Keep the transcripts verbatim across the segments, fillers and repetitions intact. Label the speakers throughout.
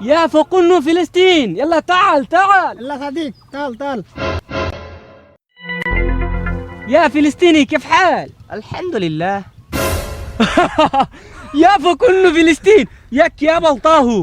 Speaker 1: يا فقن فلسطين يلا تعال تعال
Speaker 2: يلا صديق تعال تعال.
Speaker 1: يا فلسطيني كيف حال
Speaker 3: الحمد لله.
Speaker 1: يا فقن فلسطين ياك يا بلطاهو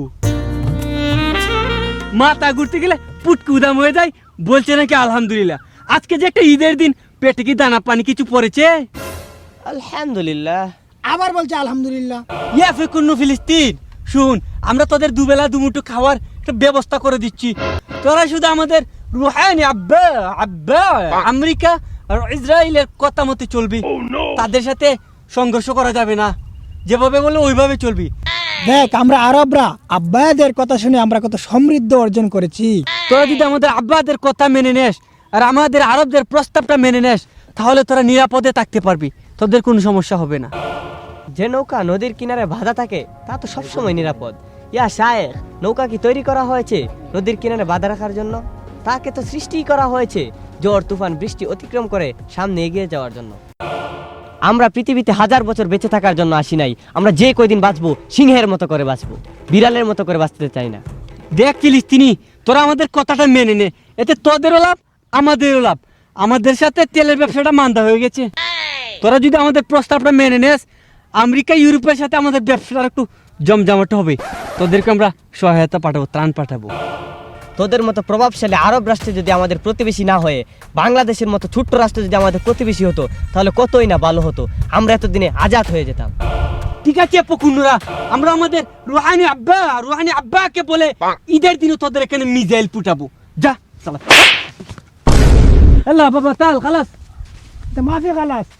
Speaker 1: মাথা ঘুরতে গেলে পুটকু উদাম হয়ে যায় বলছে নাকি আলহামদুলিল্লাহ। আজকে যে একটা ঈদের দিন পেটে কি দানা পানি কিছু পড়েছে?
Speaker 3: الحمد لله.
Speaker 2: আবার বলছে আলহামদুলিল্লাহ।
Speaker 1: ইয়া ফিকুন্নু ফিলিস্তিন, শুন আমরা তোদের দুবেলা দুমুঠো খাওয়ার একটা ব্যবস্থা করে দিচ্ছি। তোরা শুধু আমাদের রুহানি আব্বা আব্বা আমেরিকা আর ইসরায়েলের কথা মতে চলবি। তাদের সাথে সংঘর্ষ করা যাবে না, যেভাবে বলে ওইভাবে চলবি।
Speaker 2: দেখ আমরা আরবরা আব্বাদের কথা শুনে আমরা কত সমৃদ্ধ অর্জন করেছি।
Speaker 1: তোরা যদি আমাদের আব্বাদের কথা মেনে নেস আর আমাদের আরবদের প্রস্তাবটা মেনে নেস তাহলে তোরা নিরাপদে থাকতে পারবি, তোদের কোনো সমস্যা হবে না।
Speaker 3: যে নৌকা নদীর কিনারে বাঁধা থাকে তা তো সবসময় নিরাপদ। ইয়া শায়েখ, নৌকা কি তৈরি করা হয়েছে নদীর কিনারে বাঁধা রাখার জন্য? তাকে তো সৃষ্টিই করা হয়েছে ঝড় তুফান বৃষ্টি অতিক্রম করে সামনে এগিয়ে যাওয়ার জন্য। আমরা পৃথিবীতে হাজার বছর বেঁচে থাকার জন্য আসি নাই। আমরা যে কয়দিন বাঁচবো সিংহের মতো করে বাঁচবো, বিড়ালের মতো করে বাঁচতে চাই না।
Speaker 1: দেখ ফিলিস্তিনি, তোরা আমাদের কথাটা মেনে নে, এতে তোদেরও লাভ আমাদেরও লাভ। আমাদের সাথে তেলের ব্যবসাটা মান্দা হয়ে গেছে। তোরা যদি আমাদের প্রস্তাবটা মেনে নেস আমেরিকা ইউরোপের সাথে আমাদের ব্যবসাটা একটু জমজমাট হবে। তোদেরকে আমরা সহায়তা পাঠাবো, ত্রাণ পাঠাবো।
Speaker 3: তোদের মতো প্রভাবশালী আরব রাষ্ট্রে যদি আমাদের প্রতিবেশী না হয়ে বাংলাদেশের মতো ছোট্ট রাষ্ট্র যদি আমাদের প্রতিবেশী হতো তাহলে কতই না ভালো হতো, আমরা এতদিনে আজাদ হয়ে যেতাম।
Speaker 1: ঠিক আছে পকুন্নুরা, আমরা আমাদের রুহানি আব্বা রুহানি আব্বাকে বলে ঈদের দিনও তোদের এখানে মিজাইল ফুটাবো। যা সালা আল্লাহ বাবা তাল খালাস
Speaker 2: মাফি খালাস।